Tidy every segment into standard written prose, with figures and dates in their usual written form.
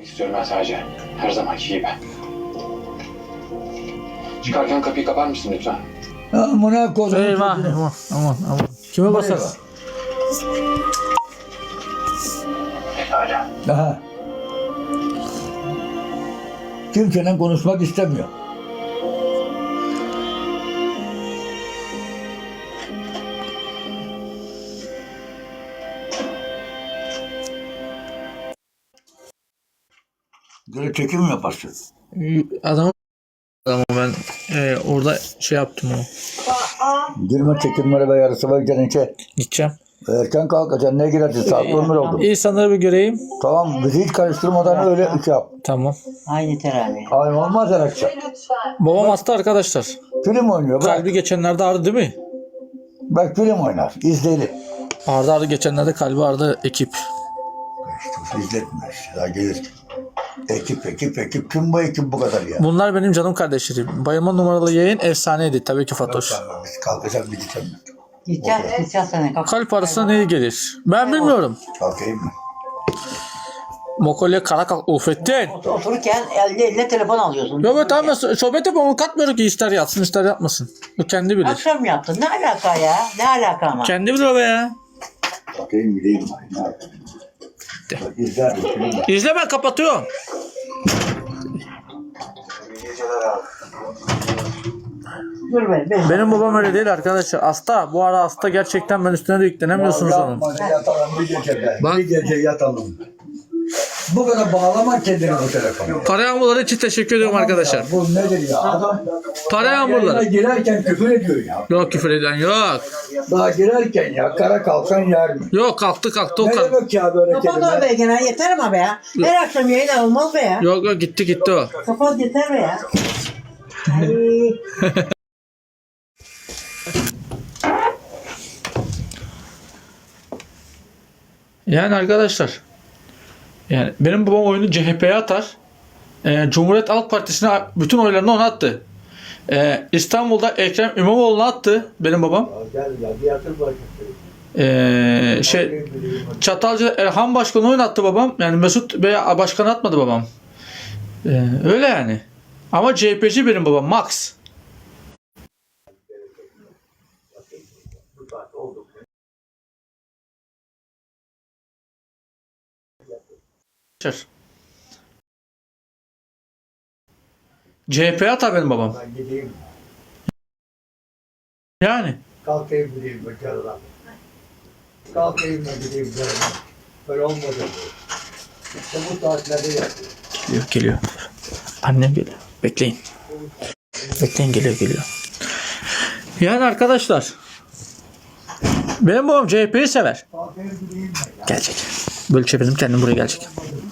İstiyorum ben sadece. Her zamanki gibi. Çıkarken kapıyı kapar mısın lütfen? Amına koydum. Eyvah. Aman. Kime basarız? Pekala. Aha. Kimsenin konuşmak istemiyor. Böyle çekim yaparsın. Adamı ben orada şey yaptım onu. Girme çekimlere ve yarısı varken içe. Gideceğim. Erken kalkacaksın, ne girersin? Saat 11 oldu. İnsanları bir göreyim. Tamam, bizi hiç karıştırmadan öyle iş yap. Tamam. Aynı teravih. Ay olmaz her akşam. Babam hasta arkadaşlar. Film oynuyor. Bak, Kalbi geçenlerde ağrıdı değil mi? bak film oynar. İzleyelim. Ağrıdı geçenlerde kalbi ağrıdı ekip. İzletme işte, daha gelir. Ekip. Kim bu ekip bu kadar ya? Bunlar benim canım kardeşlerim. Bayılma numaralı yayın efsaneydi. Tabii ki Fatoş. Biz kalkacak bir gideceğim. Gideceğiz sana. Kalk. Kalp arasında ne gelir? Ben bilmiyorum. Kalkayım mı? Mokolya kara kalk ufettin. Otururken eline telefon alıyorsun. Yok be tamam sohbet yapalım katmıyorum ki ister yatsın ister yapmasın. O kendi bilir. Akşam yaptın. Ne alaka ya? Ne alaka ama? Kendi bilir o be ya. Kalkayım gideyim. İzler film. İzle ben kapatıyorum. Dur be. Benim babam öyle değil arkadaşlar. Hasta. Bu ara hasta gerçekten ben üstüne de yüklenemiyorsunuz onun. Yapma, yatalım bir gece be. Bak. Bir gece yatalım. Bu kadar bağlama kendini bu telefona. Para yağmurları için teşekkür ediyorum arkadaşlar. Bu nedir ya? Adam Para yayına yağmurları. girerken küfür ediyor ya. Yok küfür eden yok. Daha girerken ya kara kalkan yer mi? Yok kalktı o Ne kalktı. demek ya böyle Kapat o kelime? be gene. Yeter ama be ya. Her akşam yayın olmaz be ya. Yok gitti o. Kapat yeter be ya. Ay. Yani arkadaşlar. Yani benim babam oyunu CHP'ye atar. Cumhuriyet Halk Partisi'ne bütün oylarını ona attı. İstanbul'da Ekrem İmamoğlu'na attı benim babam. Gel ya bir yatır bakayım. Çatalca'da Erhan Başkan'ı oynattı babam. Yani Mesut Bey Başkan atmadı babam. Öyle yani. Ama CHP'ci benim babam. Max. CHP'ye atar benim babam. Ben gideyim. Yani. Kalkayım gideyim bu canına. Kalkayım da gideyim canına. Böyle olmadı. İşte bu saatlerde yapıyor. Geliyor. Annem geliyor. Bekleyin. Bekleyin geliyor. Yani arkadaşlar. Benim babam CHP'yi sever. Kalkayım gideyim ben ya. Gelecek. Böyle çevirdim kendim buraya gelecek.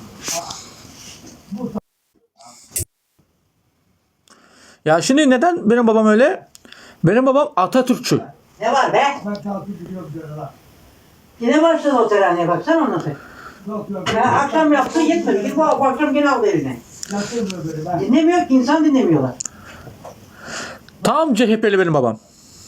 Ya şimdi neden benim babam öyle? Benim babam Atatürkçü. Ne var be? Ben kalkıp gidiyorum canına. Yine başladı o teravih. Baksana ona sen. Yok. Ya akşam yaptı yetmedi. Git bu akşam gene aldı eline. Yatırmıyor böyle ben. Dinlemiyor ki. İnsan dinlemiyorlar. Tam CHP'li benim babam.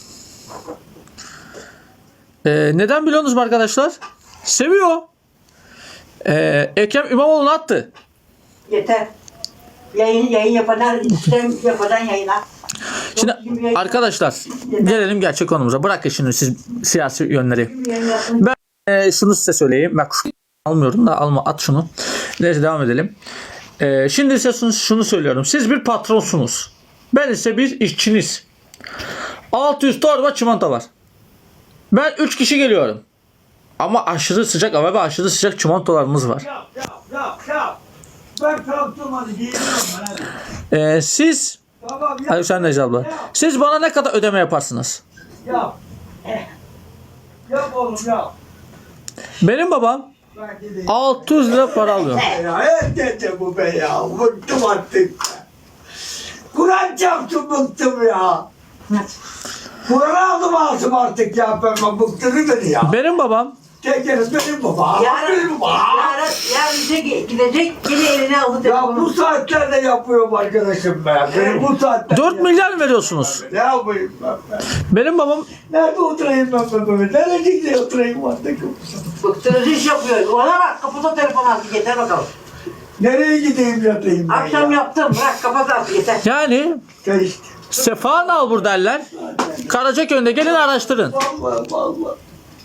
Neden biliyorsunuz mu arkadaşlar? Seviyor. Ekrem İmamoğlu'nu attı. Yeter. Yayın yapadan, sistem yapadan yayına. Şimdi arkadaşlar gelelim gerçek konumuza. Bırakın şimdi siz siyasi yönleri. Şunu size söyleyeyim. Bak almıyorum da alma at şunu. Neyse devam edelim. Şimdi size şunu söylüyorum. Siz bir patronsunuz. Ben ise bir işçiniz. 600 torba çimento var. Ben 3 kişi geliyorum. Ama aşırı sıcak hava ve aşırı sıcak çimentolarımız var. Yap. Ben kalktım hadi giyiniyorum ben hadi. Siz Tamam yap. Ayşen Necla abla. Siz bana ne kadar ödeme yaparsınız? Yap. Yap oğlum yap. Benim babam Ben gideyim. 600 lira para alıyor. Ya evet bu be ya. Bıktım artık. Kur'an çarptım bıktım ya. Kur'an aldım ağzım artık ya. Ben bıktırdı beni ya. Benim babam Tekeriz benim baba. Benim baba. Yarın gidecek yine eline aldı Ya telefonu. bu saatlerde yapıyorum arkadaşım be. Benim bu saatlerde 4 milyar mı veriyorsunuz? Ne yapayım ben? Benim babam Nerede oturayım ben böyle? Nerecikte oturayım artık? Bıktırıcı iş yapıyor. Ona bak kapıda telefon aldı. Yeter bakalım. Nereye gideyim yatayım ben Akşam ya? yaptım. Bırak kapat artık yeter. Yani Ya işte. Sefa Nalbur derler. Karacaköy'ünde gelin araştırın. Vallahi.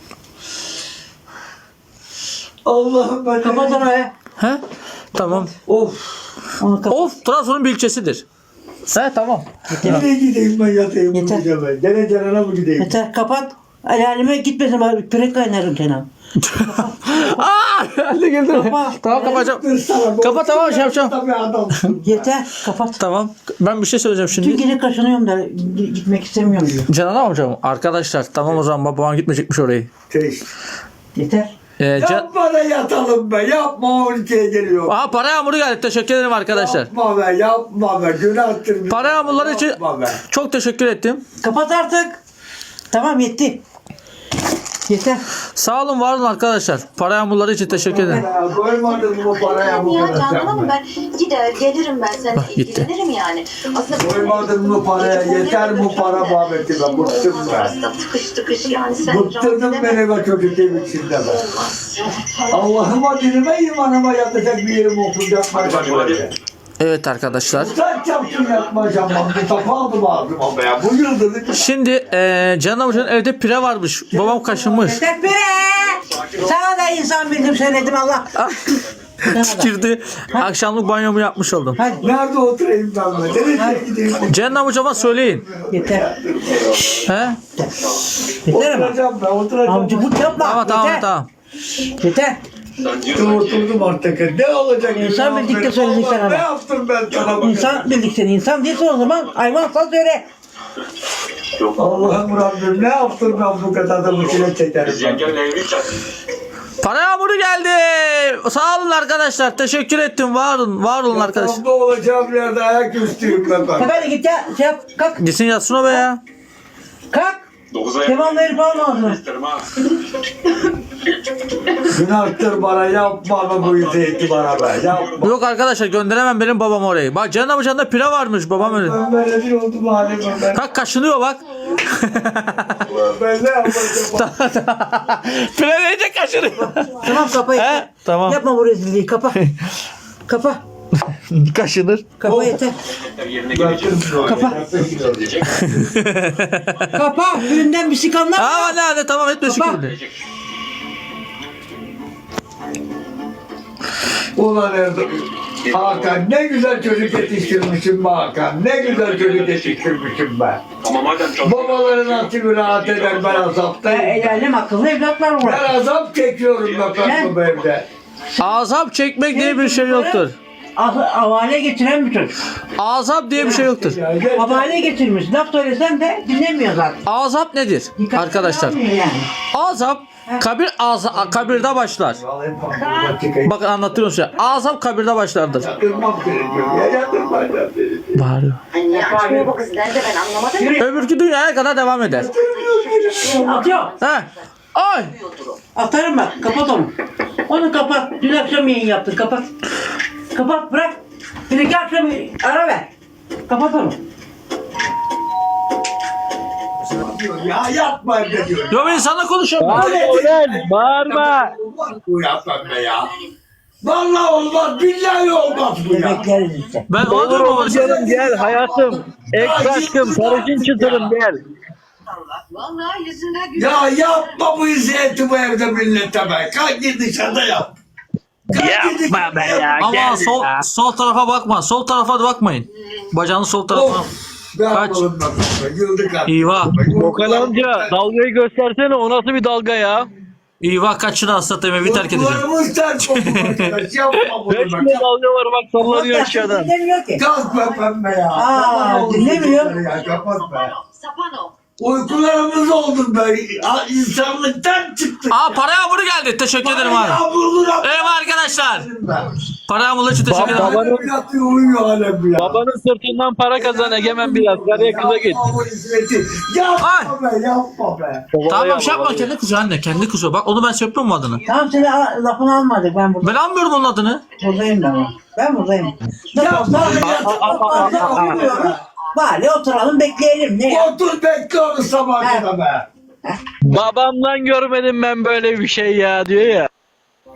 Allah'ım ben. Kapat onu be. He? Tamam. Of. Onu kapat. Of, Trabzon'un bir ilçesidir. He, tamam. Nereye gideyim ben yatayım bu Yeter. gece ben? Gene Canan'a mı gideyim? Yeter kapat. Alalime gitmesin bari pürek kaynarım Kenan. Aa, hadi güldü. Kapa. Tamam, kapatacağım. Dur sana, Kapat, tamam, şey yapacağım. Tabii adamsın. Yeter kapat. Tamam. Ben bir şey söyleyeceğim Tüm şimdi. gece kaşınıyorum da gitmek istemiyorum diyor. Canan amcam, arkadaşlar tamam o zaman babam gitmeyecekmiş orayı. Teşekkür. Yeter. Yapma da yatalım be. Yapma 12'ye geliyor. Aha, para yağmuru geldi. Teşekkür ederim arkadaşlar. Yapma be. Yapma be. Günahtır. Para yağmurları için Yapma be. çok teşekkür ettim. Kapat artık. Tamam yetti. Yeter. Sağ olun, var olun arkadaşlar. Para yağmurları için teşekkür ederim. Ya, koymadın bu paraya bu Ya kadar. Canan yapma. Hanım ben gider gelirim ben seninle Bak, gitti. ilgilenirim yani. Aslında Koymadın bu paraya. Yeter bu para muhabbeti be. Bıktım ben. Aslında tıkış tıkış yani sen Bıktırdın beni be çocuk evin içinde be. Allah'ıma dinime imanıma yatacak bir yerim okunacak. Evet arkadaşlar. Utanç yaptım yatmayacağım ben. Bir tapu aldım ağzıma be ya. Bu yıldızı Şimdi Canan amcanın evde pire varmış. Babam kaşınmış. Yeter pire. Sana da insan bildim söyledim Allah. Tükürdü. Akşamlık banyomu yapmış oldum. Hadi nerede oturayım ben be? Nereye gideyim? Canan amcama söyleyin. yeter. He? Yeter ama. Oturacağım ben. Oturacağım. Amcıklık yapma. Tamam tamam yeter. tamam. Yeter. Oturdum artık. Ne olacak? İnsan Ya? bildikçe söyleyeceksin Allah, ama. Ne yaptım ben sana? İnsan bildik seni. İnsan değilse o zaman hayvansan söyle. Allah'ım Rabbim ne yaptım ben bu kadar da bu çile çekerim. Para yağmuru geldi. Sağ olun arkadaşlar. Teşekkür ettim. Var olun. Var olun arkadaşlar. Yatağımda olacağım yerde ayaküstüyüm ben. Hadi git ya. Şey yap. Kalk. Gitsin yatsın o be ya. Kalk. Devam verip alma. Günahtır bana yapma be bu izleyiti bana be. Yapma. Yok arkadaşlar, gönderemem benim babam orayı. Bak Canan amcanın pire varmış, babam öyle. Ben böyle bir oldum halime ben. Bak kaşınıyor bak. Ben ne yapacağım? Pire deyince kaşınıyor. Tamam kapa yeter. He? Tamam. Yapma bu rezilliği. Kapa. Kapa. Kaşınır. Kapa yeter. Kapa. Kapa. Düğünden bir sikanlar. Aa hadi tamam, etme Baba. şükür. Ulan Erdem. Hakan ne güzel çocuk yetiştirmişim be Hakan. Ne güzel çocuk yetiştirmişim be. Babaların aklı rahat eder ben azaptayım. El alem akıllı evlatlar var. Ben azap çekiyorum ben bu evde. Azap çekmek diye bir şey yoktur. Havale getiren bir çocuk. Azap diye bir şey yoktur. Ya, yeter. Havale getirmiş. Laf söylesem de dinlemiyor zaten. Azap nedir Dikkatli arkadaşlar? almıyor yani. Azap kabirde başlar. Vallahi bak, çıkayım. Bakın anlatıyorum size. Azap kabirde başlardır. Yatırmam gerekiyor. Ya yatırmayacağım seni. Bağırıyor. Hani açmıyor bu kız nerede ben anlamadım. Öbürkü dünyaya kadar devam eder. Atıyor. He. Ay. Atarım bak. Kapat onu. Onu kapat. Dün akşam yayın yaptın. Kapat. Kapat bırak. Bir iki akşam ara ver. Kapat onu. Ya yapma be diyor. Yo, ben insanla konuşuyorum. Bağırma. Bu yapma be ya. Vallahi olmaz. Billahi olmaz bu ya. Bekleriz işte. Ben olur mu? Canım gel hayatım. Ek aşkım, sarışın çıtırım gel. Vallahi yüzünden güzel. Ya yapma bu izleyeti bu evde millete be. Kalk git dışarıda yap. Yapma be ya. Ama Gel sol ya. sol tarafa bakma. Sol tarafa da bakmayın. Bacağını sol tarafa. Of. Ne yapalım be? Yıldık artık. İva. Okan amca dalgayı göstersene, o nasıl bir dalga ya? İva kaçını hastata evi terk edeceğim. Kulağımız ters oldu arkadaş. Yapma bunu 5 be. kilo dalga var bak, sallanıyor aşağıdan. Dinlemiyor ki. Kalk be pembe ya. Aa, dinlemiyor. Ya, kapat be. Sapano. Uykularımız oldu be. İnsanlıktan çıktık. Aa, para yağmuru geldi. Teşekkür ederim abi. Eyvallah arkadaşlar. Para yağmuru için teşekkür ederim. Babanın- Yatıyor uyuyor alem ya. Babanın sırtından para kazan Egemen biraz. Karıya kıza git. Yapma be yapma be. Tamam, şey yapma, kendi kızıyor anne. Kendi kızıyor. Bak onu ben söylüyorum mu adını? Tamam seni lafını almadık. Ben Ben almıyorum onun adını. buradayım ben. Ben buradayım. Nasıl olsa bari oturalım bekleyelim. Ne ya? Otur bekle onu sabah kadar be. Babamdan görmedim ben böyle bir şey ya diyor ya.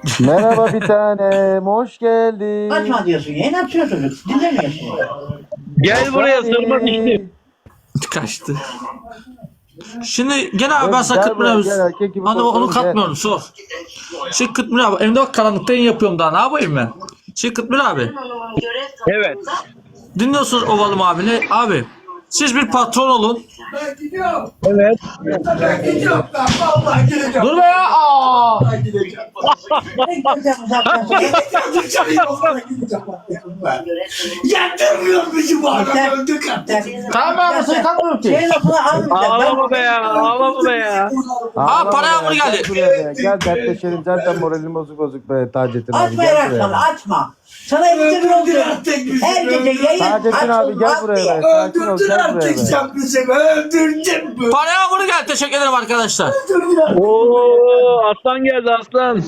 Merhaba bir tanem, hoş geldin. Açma diyorsun ya. Ne yapıyor çocuk? Dinlemiyorsun. Gel buraya sırma dişli. Kaçtı. Şimdi gene abi ben sana Gel Kıtmir buraya, abi. gel, erkek gibi Hani onu konuşalım, gel. katmıyorum sor. Şimdi Kıtmir abi evde bak karanlıkta yayın yapıyorum daha ne yapayım ben? Şimdi Kıtmir abi Hanım'ın görev Evet. dinliyorsunuz Ovalım abini. Abi siz bir patron olun. Ben gidiyorum. Evet. Ben gidiyorum. Ben vallahi gideceğim. Dur be ya. Aa! Ben gideceğim. Gideceğim uzaktan sonra. Dışarı yollara gideceğim. Yatırmıyor bizi bu adam. Öldük artık. Tamam abi seni katmıyorum Şey ki. lafını almayacağım. Ağlama be ya. Ağlama be ya. Aa, para Ağlama yağmuru ya, geldi. Gel buraya be. Gel dertleşelim. Zaten moralim bozuk be Taceddin abi. Açma Gel Erkan, buraya. açma. Sana evde bir oluyor. Her gece yayın Taceddin abi gel buraya be. Sakin ol Öldürdün gel buraya artık be. sen bizi. Öldürdün mü? Para yağmuru geldi teşekkür ederim arkadaşlar. Oo aslan geldi aslan.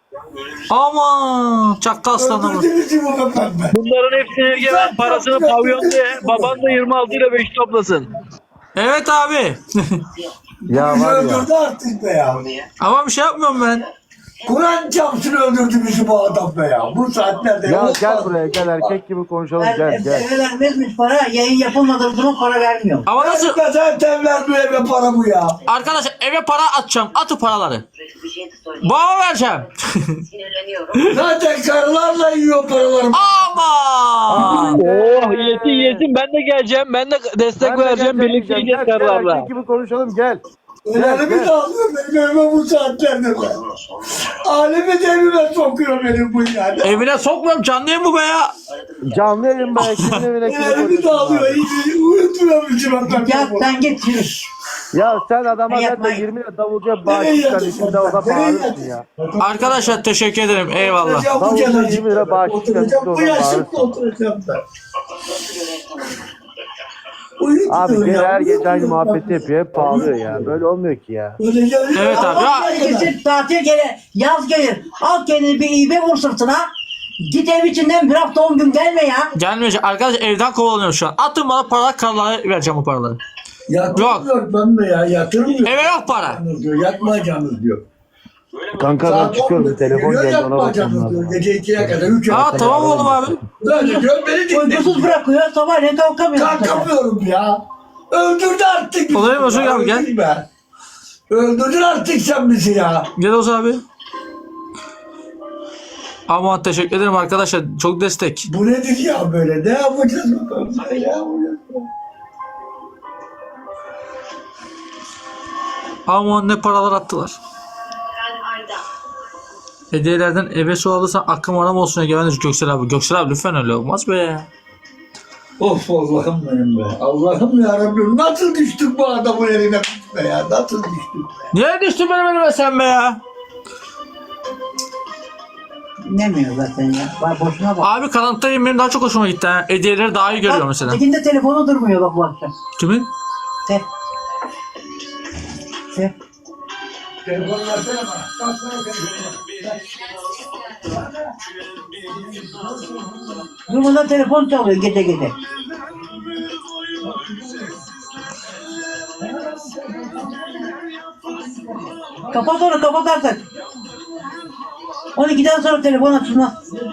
Aman çakka aslanım. Öldürdün bizi bu kadar. Bunların hepsini Egemen parasını pavyonda ye. Baban da 26 ile 5 toplasın. Evet abi. Ya Bizi var ya. öldürdü artık be ya. Ama bir şey yapmıyorum ben. Kur'an çarpsın öldürdü bizi bu adam be ya. Bu saatlerde Ya yok gel mu? buraya gel erkek gibi konuşalım gel gel. eve vermezmiş para, yayın yapılmadığı zaman para vermiyor. Ama nasıl? Ben zaten vermiyor eve para bu ya. Arkadaşlar eve para atacağım. Atı paraları. bir şey de söyleyeyim. Bana vereceğim. Sinirleniyorum. Zaten karılarla yiyor paralarımı. Aman. Oh yetin ben de geleceğim. Ben de destek Ben de vereceğim. gel, Birlikte gel, yiyeceğiz gel, kararla. erkek gibi konuşalım gel. Ellerimi gel. de alıyor benim evime bu saatlerde be. Alemi de evime sokuyor benim bu yani. Evine sokmuyorum canlı yayın bu be ya. Canlı yayın be. Kimin evine kimi Ellerimi de konuşuyorsun alıyor. abi? İyi, uyutmuyor bizi ben. Ya sen git yürü. Ya sen adama Ben zaten yapmayın. 20 lira davulcuya Nereye bağışlıktan yatıyorsun içinde orada sen? Nereye bağırırsın ya. Arkadaşlar teşekkür ederim. Eyvallah. Ya bu Davulcu kenarcık. 20 lira bağışlıktan Oturacağım içinde bu orada yaşımda bağırırsın. oturacağım ben. Abi Uyutmuyor gene ya, her gece aynı uyutmuyor. muhabbeti yapıyor. Hep bağırıyor ya. Böyle olmuyor ki ya. Öyle geliyor. Evet abi. Ya, Herkesin tatil gelir, yaz gelir. Al kendini bir iğbe vur sırtına. Git ev içinden bir hafta 10 gün gelme ya. gelmeyecek. Arkadaşlar evden kovalanıyorum şu an. Atın bana para kararlara vereceğim o paraları. Yatırmıyor ben de ya yatırmıyor. Eve yok para. Yatmayacaksınız diyor. Yatmayacaksınız diyor. Kanka ben Saat çıkıyorum. 11'de Telefon geliyor, geldi ona bakmam yatmayacaksınız diyor. lazım. Gece 2'ye kadar 3'e Aa kadar. tamam oğlum abi. Böyle diyor beni dinle. Uykusuz bırakıyor, sabahleyin kalkamıyor. Kalkamıyorum ya. Öldürdü artık bizi. Olayım Özgür Ya, abi, gel. öldür be. Öldürdün artık sen bizi ya. Gel Oğuz abi. Aman teşekkür ederim arkadaşlar. Çok destek. Bu nedir ya böyle? Ne yapacağız bakalım? Ne yapacağız? Aman ne paralar attılar. Ben Arda. Hediyelerden eve su alırsan akım aram olsun Egemen Göksel abi. Göksel abi lütfen öyle olmaz be. Of Allah'ım benim be. Allah'ım ya Rabbim nasıl düştük bu adamın eline be ya? Nasıl düştük be? Niye düştün benim elime sen be ya? Dinlemiyor zaten ya. Bak boşuna bak. Abi karanlıkta yayın benim daha çok hoşuma gitti. Ha. Hediyeleri daha iyi görüyor mesela. Tekinde telefonu durmuyor bak bu akşam. Kimin? Te. Te. Telefonu versene bana. Baksana telefonu. Durmadan telefon çalıyor gece gece. Kapat onu, kapat artık. 12'den sonra telefon açılmaz.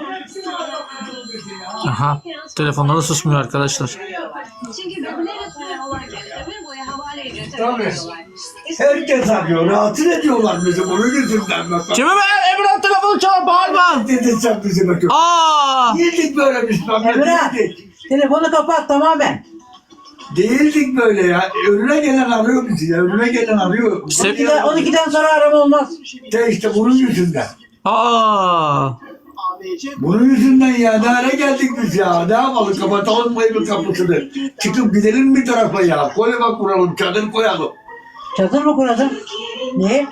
Aha. Telefonları susmuyor arkadaşlar. Çünkü birbirlerine olarken ömür boyu havale ücreti Tabii. ödüyorlar. Herkes arıyor. Rahatsız ediyorlar bizi bunun yüzünden. Kimi be? Emrah telefonu çalar bağırma. Dedin sen bizi bakın. Aa. Değildik böyle biz. Emrah, telefonu kapat tamamen. Değildik böyle ya. Önüne gelen arıyor bizi ya. Önüne gelen arıyor. 12'den sonra arama olmaz. İşte bunun yüzünden. Aa. Bunun yüzünden ya. Ne hale geldik biz ya. Ne yapalım? Kapatalım mı evin kapısını? Çıkıp gidelim bir tarafa ya. Koyma kuralım. Çadır koyalım. Çadır mı kurasın? Niye?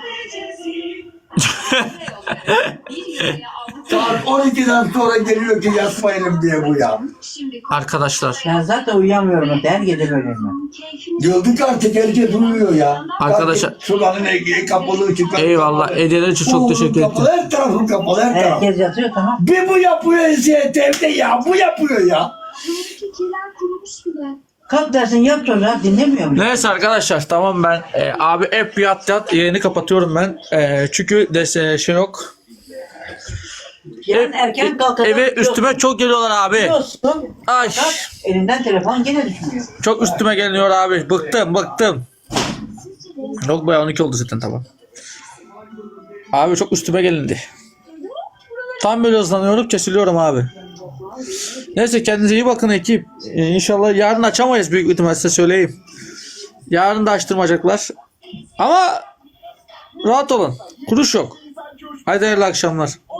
Saat 12'den sonra geliyor ki yatmayalım diye bu ya. Arkadaşlar. Ben zaten uyuyamıyorum. Her gece böyleyim ben. Gördük artık herkes uyuyor ya. Arkadaşlar- Sulanın kapalı ışıklar. Eyvallah. Hediyeler için çok teşekkür ederim. Kapalı, her tarafı kapalı her taraf. Herkes yatıyor tamam. Bir bu yapıyor eziyet evde ya. Bu yapıyor ya. Kalk dersin yap çocuğa dinlemiyor mu? Neyse arkadaşlar tamam ben abi hep yat yayını kapatıyorum ben. Çünkü şey yok. Yarın erken kalkalım. Eve üstüme çok geliyorlar abi. Biliyorsun. Ay. Fakat elinden telefon gene düşmüyor. Çok üstüme geliyor abi. Bıktım. Yok be 12 oldu zaten tamam. Abi çok üstüme gelindi. Tam böyle hızlanıyorum kesiliyorum abi. Neyse kendinize iyi bakın ekip. İnşallah yarın açamayız büyük ihtimalle size söyleyeyim. Yarın da açtırmayacaklar. Ama rahat olun. Kuruş yok. Haydi hayırlı akşamlar.